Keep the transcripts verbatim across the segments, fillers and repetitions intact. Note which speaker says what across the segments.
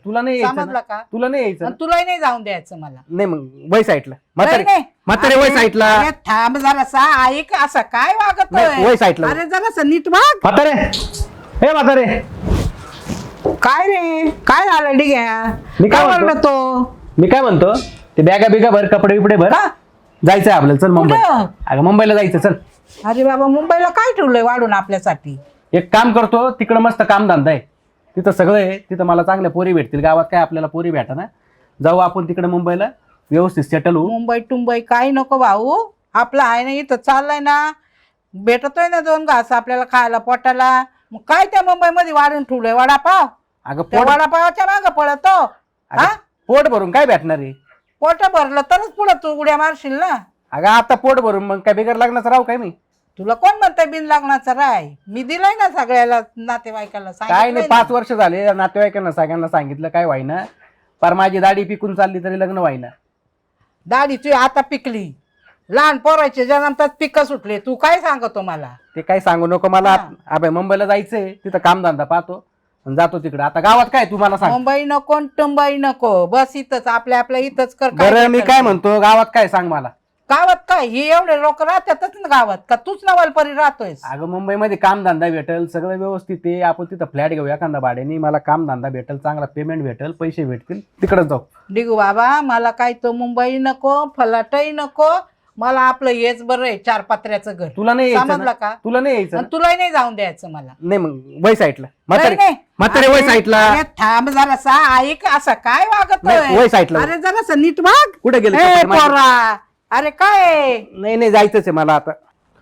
Speaker 1: तुला नाही यायचं
Speaker 2: समजलं
Speaker 1: ना?
Speaker 2: का?
Speaker 1: तुला नाही यायचं
Speaker 2: आणि
Speaker 1: ना?
Speaker 2: तुलाही नाही जाऊन द्यायचं मला.
Speaker 1: नाही मग वय साईडला म्हातारे
Speaker 2: नाही, नाही.
Speaker 1: म्हातारे वय
Speaker 2: अरे,
Speaker 1: साईडला
Speaker 2: अरे थांब जरासा ऐक असं काय वागत
Speaker 1: नाही, वय साईडला.
Speaker 2: अरे जरासा नीट वाग.
Speaker 1: म्हातारे हे म्हातारे
Speaker 2: काय रे काय झालं डिग्या?
Speaker 1: मी काय
Speaker 2: काय
Speaker 1: म्हणतो?
Speaker 2: म्हणलं तो?
Speaker 1: मी काय म्हणतो ते बॅगा बिगा भर कपडे बिपडे भर
Speaker 2: का?
Speaker 1: जायचंय आपल्याला चल मुंबई.
Speaker 2: कुठं?
Speaker 1: अगं मुंबईला जायचं चल.
Speaker 2: अरे बाबा मुंबईला काय ठेवलंय वाढून आपल्यासाठी?
Speaker 1: एक काम करतो तिकडं मस्त कामधंदा आहे तिथं सगळं आहे तिथं मला चांगल्या पोरी भेटतील गावात काय आपल्याला पोरी भेटा ना जाऊ आपण तिकडे मुंबईला व्यवस्थित सेटल होऊ.
Speaker 2: मुंबई टुंबई काही नको भाऊ आपलं आहे ना इथं चाललंय ना भेटतोय ना दोन घास आपल्याला खायला पोटाला. मग काय त्या मुंबईमध्ये वाढून ठेवलंय वडापाव?
Speaker 1: अगं
Speaker 2: त्या
Speaker 1: पोट
Speaker 2: वडापावाच्या मागं पळतो.
Speaker 1: अगं,
Speaker 2: हा
Speaker 1: पोट भरून काय भेटणार आहे?
Speaker 2: पोट भरलं तरच पुढं तू उड्या मारशील ना.
Speaker 1: अगं आता पोट भरून मग काय बिगर लग्नाचं राहू काय मी?
Speaker 2: तुला कोण म्हणतंय बिन लागण्याचं राय? मी दिलंय ना सगळ्याला नातेवाईकाला
Speaker 1: काय नाही
Speaker 2: सांगितलंय
Speaker 1: पाच
Speaker 2: ना.
Speaker 1: वर्ष झाले नातेवाईकांना सगळ्यांना सांगितलं काय व्हायना पर माझी दाढी पिकून चालली तरी लग्न व्हायना.
Speaker 2: दाढी तुझी आता पिकली लहान पोराचे जन्मतात पिकं सुटले तू काय सांगतो मला?
Speaker 1: ते काय सांगू नको मला.
Speaker 2: हा.
Speaker 1: अबे मुंबईला जायचंय तिथं कामधंदा पाहतो आणि जातो तिकडे. आता गावात काय तू मला सांग.
Speaker 2: मुंबई नको टुंबई नको बस इथंच आपल्या आपल्या इथंच कर. काय
Speaker 1: बरं मी
Speaker 2: करते?
Speaker 1: काय म्हणतो गावात काय सांग मला.
Speaker 2: गावात काय हे एवढे लोक राहतातच ना गावात का तूच नवलपरी राहतोय?
Speaker 1: अगं मुंबईमध्ये कामधंदा भेटेल सगळं व्यवस्थित आहे आपण तिथं फ्लॅट घेऊ एखादा भाड्याने मला कामधंदा भेटेल चांगला पेमेंट भेटेल पैसे भेटतील तिकडे जाऊ.
Speaker 2: डिगू बाबा मला काय तो मुंबई नको फलाटही नको मला आपलं हेच बरं आहे चार पत्र्याचं घर.
Speaker 1: तुला नाही यायचं
Speaker 2: समजलं
Speaker 1: ना?
Speaker 2: का?
Speaker 1: तुला नाही यायचं
Speaker 2: आणि
Speaker 1: ना?
Speaker 2: तुलाही नाही जाऊन द्यायचं मला.
Speaker 1: नाही मग वय साईडला म्हातारे
Speaker 2: नाही, नाही.
Speaker 1: म्हातारे वय
Speaker 2: अरे,
Speaker 1: साईडला
Speaker 2: अरे थांब जरासा ऐक असं काय वागत
Speaker 1: नाही, वय साईडला.
Speaker 2: अरे जरासा नीट वाग.
Speaker 1: कुठे गेले
Speaker 2: ए,
Speaker 1: कपडे माझे?
Speaker 2: पोरा अरे काय
Speaker 1: नाही नाही जायचंच आहे मला आता.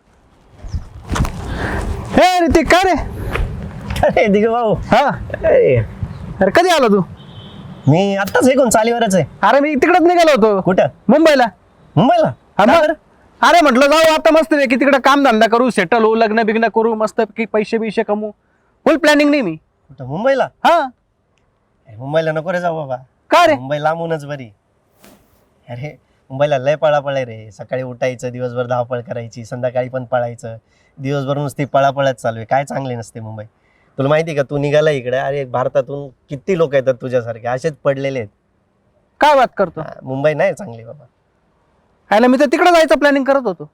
Speaker 1: हे ऋतिक काय रे?
Speaker 3: अरे दिगू भाऊ
Speaker 1: हा
Speaker 3: अरे
Speaker 1: अरे कधी आला तू?
Speaker 3: मी आत्ताच ऐकून चालीवरच आहे.
Speaker 1: अरे मी तिकडेच निघालो होतो
Speaker 3: कुठं?
Speaker 1: मुंबईला.
Speaker 3: मुंबईला?
Speaker 1: हा
Speaker 3: का
Speaker 1: मग?
Speaker 3: बरं?
Speaker 1: अरे म्हटलं जाऊ आता मस्त की तिकडे कामधंदा करू सेटल होऊ लग्न बिग्न करू मस्त की पैसे बिशे कमवू फुल प्लॅनिंग नाही मी.
Speaker 3: कुठं मुंबईला?
Speaker 1: हा
Speaker 3: अरे, मुंबईला नको रे जाऊ बाबा.
Speaker 1: का रे?
Speaker 3: मुंबई लांबूनच बरी. अरे मुंबईला लय पळापळ आहे रे. सकाळी उठायचं दिवसभर धावपळ करायची संध्याकाळी पण पळायचं दिवसभर नुसती पळापळच चालू आहे. काय चांगली नसते मुंबई. तुला माहिती आहे का तू निघाला इकडे अरे भारतातून किती लोक येतात तुझ्यासारखे असेच पडलेले आहेत.
Speaker 1: काय बात करतो?
Speaker 3: हा, मुंबई नाही चांगली बाबा.
Speaker 1: हायला मी तर तिकडे जायचं प्लॅनिंग करत होतो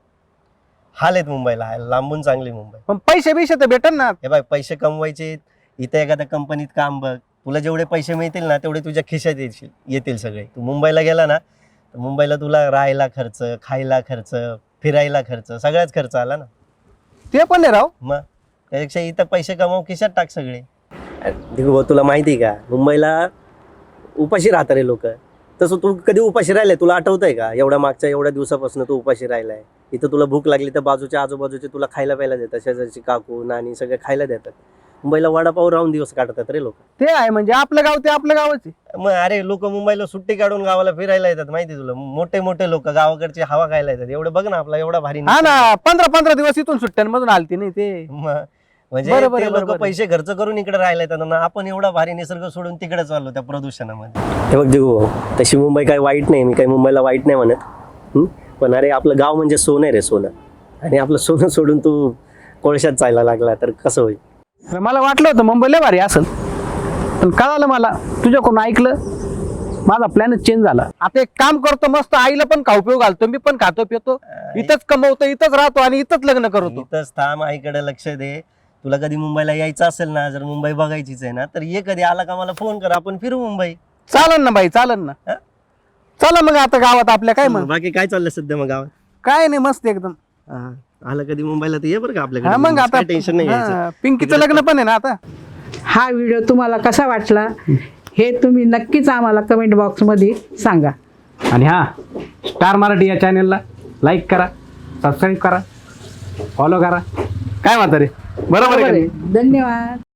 Speaker 3: हाल आहेत मुंबईला हाल. लांबून चांगली मुंबई.
Speaker 1: पण पैसे बिशे तर भेटन ना.
Speaker 3: हे बाय पैसे कमवायचे इथे एखाद्या कंपनीत काम बघ तुला जेवढे पैसे मिळतील ना तेवढे तुझ्या खिशात येतील येतील सगळे. तू मुंबईला गेला ना तर मुंबईला तुला राहायला खर्च खायला खर्च फिरायला खर्च सगळ्याच खर्च आला ना.
Speaker 1: ते पण आहे राव.
Speaker 3: मग त्यापेक्षा इथं पैसे कमाव खिशात टाक सगळे. दिगू भाऊ तुला माहिती आहे का मुंबईला उपाशी राहतात रे लोक. तसं तू कधी उपाशी राहिलाय तुला आठवतंय का? एवढ्या मागच्या एवढ्या दिवसापासून तू उपाशी राहिलाय. इथं तुला भूक लागली तर बाजूच्या आजूबाजूचे तुला खायला प्यायला देतात शेजारची काकू नानी सगळे खायला देतात. मुंबईला वडापाव राहून दिवस काढतात रे लोक.
Speaker 1: ते आहे म्हणजे आपलं गाव ते आपलं गावच आहे.
Speaker 3: मग अरे लोक मुंबईला सुट्टी काढून गावाला फिरायला येतात माहिती तुला. मोठे मोठे लोक गावाकडची हवा खायला येतात. एवढं बघ ना आपला एवढा भारी
Speaker 1: हा ना पंधरा पंधरा दिवस इथून सुट्ट्यांमधून आलती नाही ते.
Speaker 3: मग म्हणजे
Speaker 1: बरोबर आहे,
Speaker 3: ते लोक
Speaker 1: बरोबर आहे.
Speaker 3: पैसे खर्च करून इकडे राहायला येतात ना आपण एवढा भारी निसर्ग सोडून तिकडे चाललो त्या प्रदूषणामध्ये. हे बघ दिगू तशी मुंबई काही वाईट नाही. मी काही मुंबईला वाईट नाही म्हणत. हं? पण अरे आपलं गाव म्हणजे सोनं आहे रे सोनं. आणि आपलं सोनं सोडून तू कोळशात जायला लागला तर कसं होईल?
Speaker 1: अरे मला वाटलं होतं मुंबईला भारी असेल पण कळालं मला तुझ्याकडून ऐकलं माझा प्लॅनच चेंज झाला. आता एक काम करतो मस्त आईला पण खाऊ पिऊ घालतो मी पण खातो पितो इथंच कमवतो इथंच राहतो आणि इथंच लग्न करतो.
Speaker 3: इथंच थांब आईकडे लक्ष दे. तुला कधी मुंबईला यायचं असेल ना जर मुंबई बघायचीच आहे ना तर ये कधी आला का मला फोन कर आपण फिरू मुंबई.
Speaker 1: चालन ना बाई चालन ना.
Speaker 3: हा?
Speaker 1: चला मग आता गावात आपल्या काय मग
Speaker 3: बाकी काय चाललं सध्या मग गावात?
Speaker 1: काय नाही मस्त एकदम.
Speaker 3: हा. आलं कधी मुंबईला तर ये बरं का
Speaker 1: हा
Speaker 3: आपल्याकडे.
Speaker 1: मग आता
Speaker 3: टेन्शन नाही
Speaker 1: हा,
Speaker 3: घ्यायचं.
Speaker 1: पिंकीचं लग्न पण आहे ना आता.
Speaker 2: हा व्हिडिओ तुम्हाला कसा वाटला हे तुम्ही नक्कीच आम्हाला कमेंट बॉक्समध्ये सांगा.
Speaker 1: आणि हा स्टार मराठी या चॅनलला लाईक करा सबस्क्राईब करा फॉलो करा. काय म्हातारे बरोबर आहे का नाही?
Speaker 2: धन्यवाद.